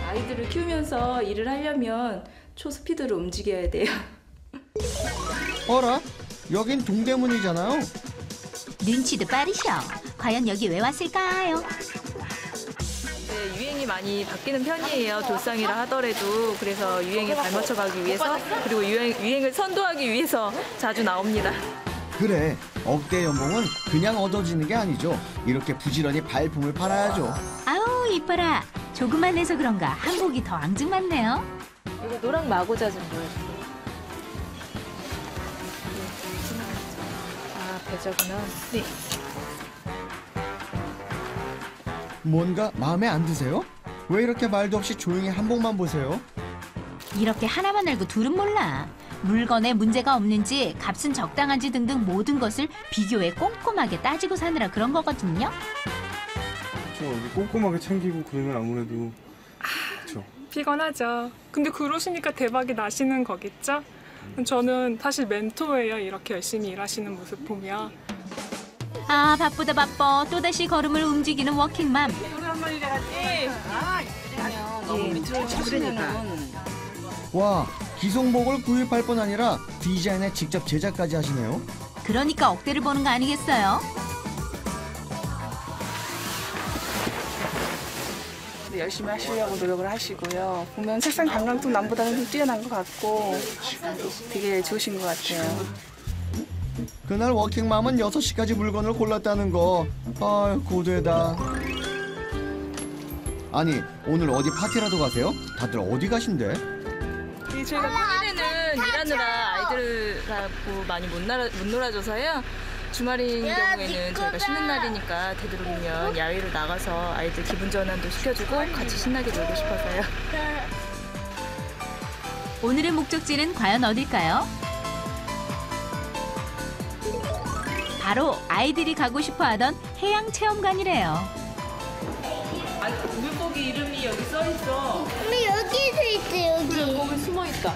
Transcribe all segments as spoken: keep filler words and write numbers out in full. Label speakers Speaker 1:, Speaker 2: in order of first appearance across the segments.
Speaker 1: 아이들을 키우면서 일을 하려면 초스피드로 움직여야 돼요.
Speaker 2: 어라? 여긴 동대문이잖아요.
Speaker 3: 눈치도 빠르셔. 과연 여기 왜 왔을까요?
Speaker 1: 네, 유행이 많이 바뀌는 편이에요. 돌상이라 하더라도. 그래서 유행에 발맞춰 가기 위해서 그리고 유행, 유행을 선도하기 위해서 자주 나옵니다.
Speaker 2: 그래, 억대 연봉은 그냥 얻어지는 게 아니죠. 이렇게 부지런히 발품을 팔아야죠.
Speaker 3: 아우 이뻐라. 조금만 해서 그런가 한복이 더 앙증맞네요.
Speaker 1: 이거 노랑 마고자 좀 보여주세요. 아, 배저구나. 네.
Speaker 2: 뭔가 마음에 안 드세요? 왜 이렇게 말도 없이 조용히 한복만 보세요?
Speaker 3: 이렇게 하나만 알고 둘은 몰라. 물건에 문제가 없는지 값은 적당한지 등등 모든 것을 비교해 꼼꼼하게 따지고 사느라 그런 거거든요.
Speaker 4: 그렇죠. 이렇게 꼼꼼하게 챙기고 그러면 아무래도 그렇죠.
Speaker 5: 피곤하죠. 근데 그러시니까 대박이 나시는 거겠죠? 저는 사실 멘토예요. 이렇게 열심히 일하시는 모습 보면.
Speaker 3: 아 바쁘다 바빠. 또다시 걸음을 움직이는 워킹맘.
Speaker 2: 와, 기성복을 구입할 뿐 아니라 디자인에 직접 제작까지 하시네요.
Speaker 3: 그러니까 억대를 보는 거 아니겠어요?
Speaker 6: 열심히 하시려고 노력을 하시고요. 보면 색상 감각도 남보다는 좀 뛰어난 것 같고 되게 좋으신 것 같아요.
Speaker 2: 그날 워킹맘은 여섯 시까지 물건을 골랐다는 거. 아, 고되다. 아니, 오늘 어디 파티라도 가세요? 다들 어디 가신대?
Speaker 1: 이 저희가 평일에는 일하느라 아이들하고 많이 못, 놀아, 못 놀아줘서요. 주말인 경우에는 저희가 쉬는 날이니까 되도록이면 야외로 나가서 아이들 기분 전환도 시켜주고 같이 신나게 놀고 싶어서요.
Speaker 3: 오늘의 목적지는 과연 어딜까요? 바로 아이들이 가고 싶어하던 해양체험관이래요.
Speaker 1: 아, 물고기 이름이 여기 써있어.
Speaker 7: 엄마 여기도 있어 여기.
Speaker 1: 거기 숨어있다.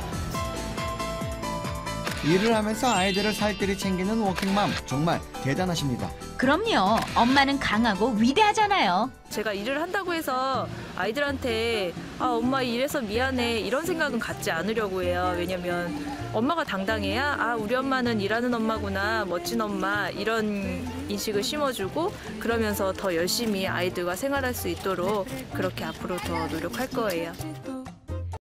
Speaker 2: 일을 하면서 아이들을 살뜰히 챙기는 워킹맘 정말 대단하십니다.
Speaker 3: 그럼요. 엄마는 강하고 위대하잖아요.
Speaker 1: 제가 일을 한다고 해서 아이들한테 아 엄마 일해서 미안해 이런 생각은 갖지 않으려고 해요. 왜냐면 엄마가 당당해야 아 우리 엄마는 일하는 엄마구나 멋진 엄마 이런 인식을 심어주고 그러면서 더 열심히 아이들과 생활할 수 있도록 그렇게 앞으로 더 노력할 거예요.